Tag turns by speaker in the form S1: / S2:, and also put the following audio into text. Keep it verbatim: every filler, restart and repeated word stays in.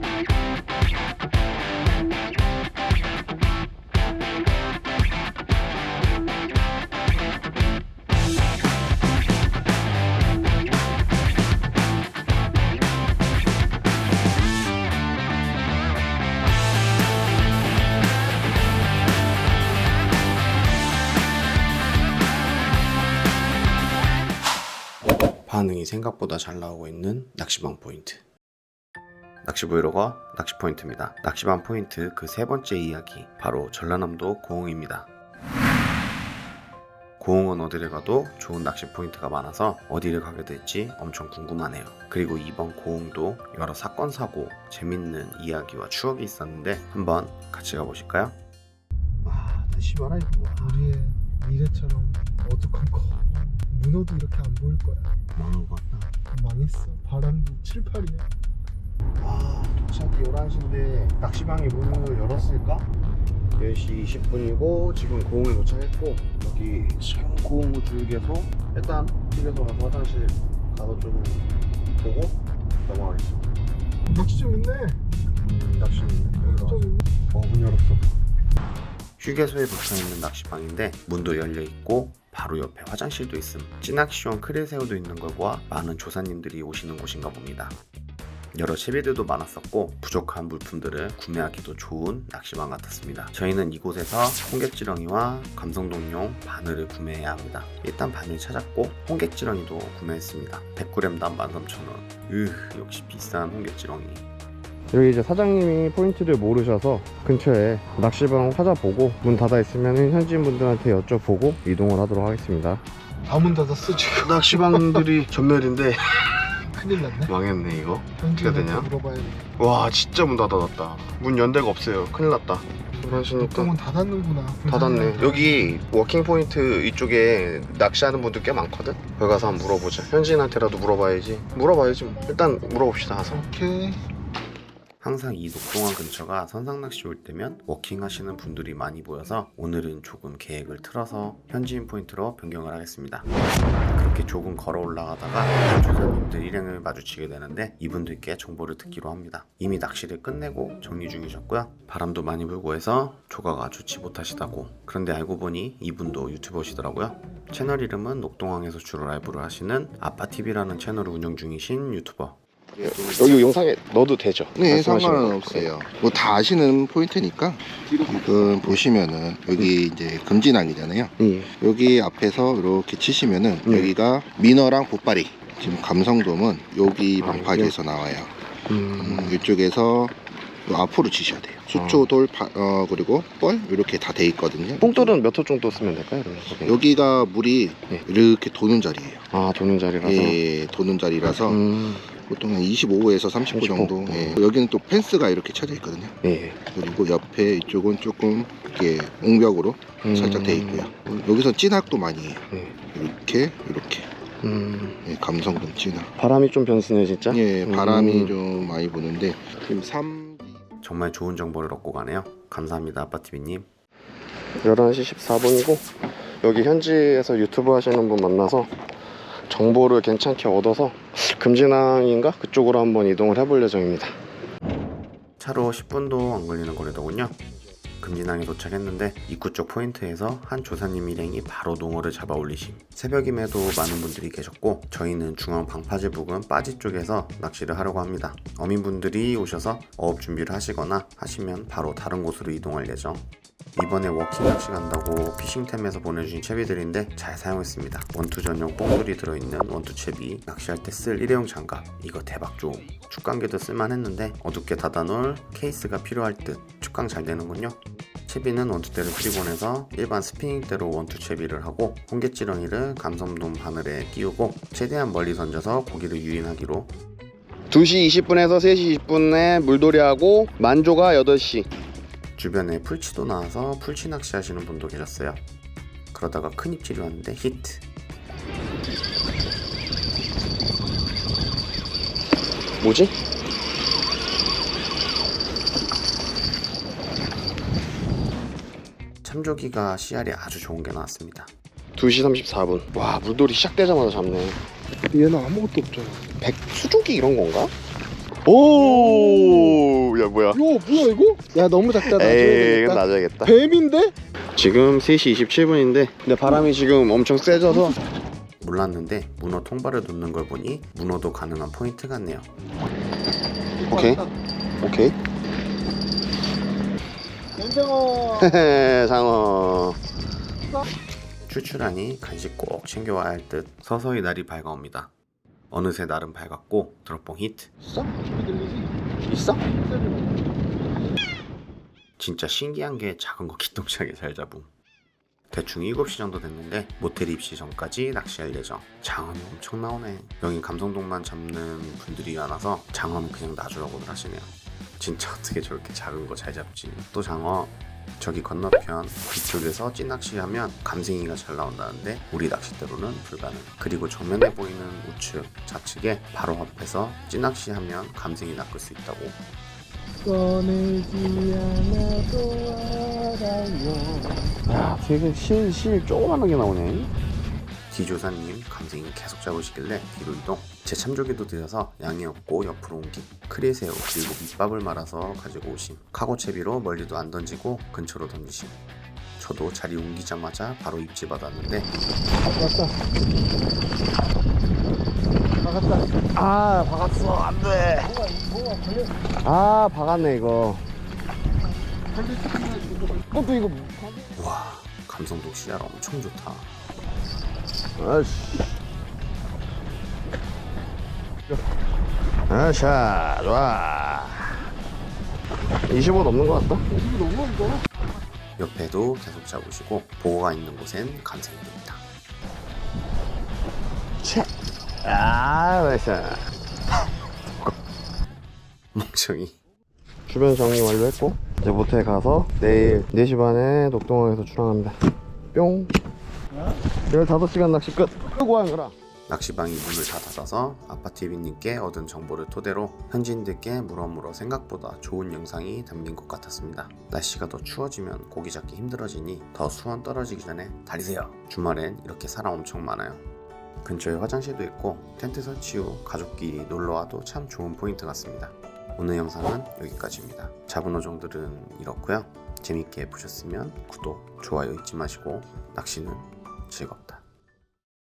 S1: 반응이 생각보다 잘 나오고 있는 낚시방 포인트. 낚시 브이로거 낚시 포인트입니다. 낚시방 포인트 그 세 번째 이야기, 바로 전라남도 고흥입니다. 고흥은 어디를 가도 좋은 낚시 포인트가 많아서 어디를 가게 될지 엄청 궁금하네요. 그리고 이번 고흥도 여러 사건, 사고, 재밌는 이야기와 추억이 있었는데 한번 같이 가보실까요?
S2: 와, 다시 말아 이거. 우리의 미래처럼 어둑한 거. 문어도 이렇게 안 보일 거야.
S1: 망한 것 같다.
S2: 망했어. 바람도 칠, 팔이야.
S1: 아, 도착이 열한 시인데 낚시방이 문을 열었을까? 열 시 이십 분이고 지금 고흥에 도착했고, 여기 지금 고흥 우주역에서 일단 휴게소 가서 화장실 가서 좀 보고 넘어가겠습니다.
S2: 낚시 좀 있네.
S1: 음, 낚시는 있네. 여기로
S2: 좀
S1: 와서.
S2: 있네.
S1: 어, 문 열었어. 휴게소에 붙어있는 낚시방인데 문도 열려있고 바로 옆에 화장실도 있음. 찌낚시용 크릴새우도 있는 것과 많은 조사님들이 오시는 곳인가 봅니다. 여러 채비들도 많았었고 부족한 물품들을 구매하기도 좋은 낚시방 같았습니다. 저희는 이곳에서 홍게지렁이와 감성동용 바늘을 구매해야 합니다. 일단 바늘 찾았고 홍게지렁이도 구매했습니다. 백 그램당 만 삼천 원. 으, 역시 비싼 홍게지렁이.
S3: 여기 이제 사장님이 포인트를 모르셔서 근처에 낚시방 찾아보고 문 닫아 있으면 현지인 분들한테 여쭤보고 이동을 하도록 하겠습니다.
S2: 다 문 닫았어 지금.
S1: 낚시방들이 전멸인데
S2: 큰일 났네.
S1: 망했네 이거.
S2: 현지인한테
S1: 되냐?
S2: 물어봐야 돼.
S1: 와, 진짜 문 닫아놨다. 문 연대가 없어요. 큰일 났다. 그러시니까
S2: 문 닫았는구나.
S1: 닫았네. 여기 워킹 포인트 이쪽에 낚시하는 분들 꽤 많거든. 거기 가서 한번 물어보자. 현지인한테라도 물어봐야지. 물어봐야지 뭐. 일단 물어봅시다 가서.
S2: 오케이.
S1: 항상 이 녹동항 근처가 선상낚시 올 때면 워킹 하시는 분들이 많이 보여서 오늘은 조금 계획을 틀어서 현지인 포인트로 변경을 하겠습니다. 그렇게 조금 걸어 올라가다가 조사님들 일행을 마주치게 되는데 이분들께 정보를 듣기로 합니다. 이미 낚시를 끝내고 정리 중이셨고요. 바람도 많이 불고 해서 조가가 좋지 못하시다고. 그런데 알고 보니 이분도 유튜버시더라고요. 채널 이름은 녹동항에서 주로 라이브를 하시는 아빠티비라는 채널을 운영 중이신 유튜버. 여기 영상에 넣어도 되죠?
S4: 네, 상관은 없어요. 뭐 다 아시는 포인트니까. 지금 보시면은 여기 이제 금진항이잖아요.
S1: 예.
S4: 여기 앞에서 이렇게 치시면은
S1: 음.
S4: 여기가 민어랑 보빠리. 지금 감성돔은 여기
S1: 아,
S4: 방파제에서 나와요.
S1: 음.
S4: 음, 이쪽에서 요 앞으로 치셔야 돼요. 수초, 돌, 파, 어, 그리고 뻘 이렇게 다 돼 있거든요.
S3: 뽕돌은 몇 호 정도 쓰면 될까요? 그러면?
S4: 여기가 물이
S3: 예.
S4: 이렇게 도는 자리예요.
S3: 아, 도는 자리라서.
S4: 예, 도는 자리라서
S3: 음.
S4: 보통 한 이십오 호에서 삼십 호
S3: 삼십 호.
S4: 정도. 예. 여기는 또 펜스가 이렇게 쳐져 있거든요.
S3: 예.
S4: 그리고 옆에 이쪽은 조금 이렇게 옹벽으로
S3: 음.
S4: 살짝 돼 있고요. 여기서 찐학도 많이 해요.
S3: 예.
S4: 이렇게 이렇게
S3: 음.
S4: 예, 감성돔 찐학.
S3: 바람이 좀 변수네 진짜.
S4: 예, 바람이
S3: 음.
S4: 좀 많이 부는데 지금 삼
S1: 정말 좋은 정보를 얻고 가네요. 감사합니다, 아빠티비님.
S3: 열한 시 십사 분이고 여기 현지에서 유튜브 하시는 분 만나서 정보를 괜찮게 얻어서 금진항인가? 그쪽으로 한번 이동을 해볼 예정입니다.
S1: 차로 십 분도 안 걸리는 거리더군요. 금진항에 도착했는데 입구 쪽 포인트에서 한 조사님 일행이 바로 농어를 잡아 올리심. 새벽임에도 많은 분들이 계셨고 저희는 중앙 방파제 부근 빠지 쪽에서 낚시를 하려고 합니다. 어민분들이 오셔서 어업 준비를 하시거나 하시면 바로 다른 곳으로 이동할 예정. 이번에 워킹 낚시 간다고 피싱템에서 보내주신 채비들인데 잘 사용했습니다. 원투 전용 뽕돌이 들어있는 원투 채비, 낚시할 때 쓸 일회용 장갑, 이거 대박 좋음. 축강기도 쓸만했는데 어둡게 닫아놓을 케이스가 필요할 듯. 축강 잘 되는군요. 채비는 원투대를 프리본해서 일반 스피닝대로 원투 채비를 하고 홍게지렁이를 감성돔 바늘에 끼우고 최대한 멀리 던져서 고기를 유인하기로.
S3: 두 시 이십 분에서 세 시 이십 분에 물놀이하고 만조가 여덟 시.
S1: 주변에 풀치도 나와서 풀치 낚시 하시는 분도 계셨어요. 그러다가 큰 입질이 왔는데 히트.
S3: 뭐지?
S1: 참조기가 씨알이 아주 좋은 게 나왔습니다.
S3: 두 시 삼십사 분. 와, 물놀이 시작되자마자 잡네.
S2: 얘는 아무것도 없잖아.
S3: 백 수조기 이런 건가? 오!
S2: 야 뭐야 이거? 야 너무 작다.
S3: 에이
S2: 놔줘야겠다.
S3: 이건 놔줘야겠다.
S2: 뱀인데?
S3: 지금 세 시 이십칠 분인데 근데 바람이 지금 엄청 세져서
S1: 몰랐는데 문어 통발을 놓는 걸 보니 문어도 가능한 포인트 같네요.
S3: 오케이 오케이
S2: 연정어.
S3: 장어.
S1: 출출하니 간식 꼭 챙겨와야 할 듯 서서히 날이 밝아옵니다. 어느새 날은 밝았고 드롭봉 히트.
S2: 있어? 소리 들리지?
S3: 있어?
S1: 진짜 신기한 게 작은 거 기똥차게 잘 잡음. 대충 일곱 시 정도 됐는데 모텔 입시 전까지 낚시할 예정. 장어는 엄청 나오네. 여긴 감성동만 잡는 분들이 많아서 장어는 그냥 놔주라고들 하시네요. 진짜 어떻게 저렇게 작은 거 잘 잡지. 또 장어 저기 건너편 뒤쪽에서 찌낚시하면 감생이가 잘 나온다는데 우리 낚싯대로는 불가능. 그리고 정면에 보이는 우측 좌측에 바로 앞에서 찌낚시하면 감생이 낚을 수 있다고.
S2: 꺼내지 않아도 알아요.
S3: 야 되게 실, 실 조그만한 게 나오네.
S1: 디조사님 감생이 계속 잡으시길래 뒤로 이동. 제 참조기도 들여서 양이 없고 옆으로 옮김. 크리새우 그리고 밑밥을 말아서 가지고 오심. 카고채비로 멀리도 안 던지고 근처로 던지심. 저도 자리 옮기자마자 바로 입질 받았는데
S2: 박았다. 박았다.
S3: 아 박았어 안돼.
S2: 뭐가 뭐가 걸려?
S3: 아 박았네 이거.
S2: 그것도 이거
S1: 와 감성도 씨알 엄청 좋다.
S3: 아씨. 아샤 좋아. 이십오 넘는 것 같다.
S2: 이거 너무 이거.
S1: 옆에도 계속 잡으시고 보호가 있는 곳엔 감생입니다.
S3: 아 나이스.
S1: 멍청이.
S3: 주변 정리 완료했고 이제 모텔 가서 내일 네 시 반에 녹동항에서 출항합니다. 뿅. 열다섯 시간 낚시 끝. 끄고 한 거라.
S1: 낚시방이 문을 다 닫아서 아파티비님께 얻은 정보를 토대로 현지인들께 물어물어 생각보다 좋은 영상이 담긴 것 같았습니다. 날씨가 더 추워지면 고기 잡기 힘들어지니 더 수온 떨어지기 전에 달리세요. 주말엔 이렇게 사람 엄청 많아요. 근처에 화장실도 있고 텐트 설치 후 가족끼리 놀러와도 참 좋은 포인트 같습니다. 오늘 영상은 여기까지입니다. 잡은 어종들은 이렇고요. 재밌게 보셨으면 구독, 좋아요 잊지 마시고 낚시는 즐겁다.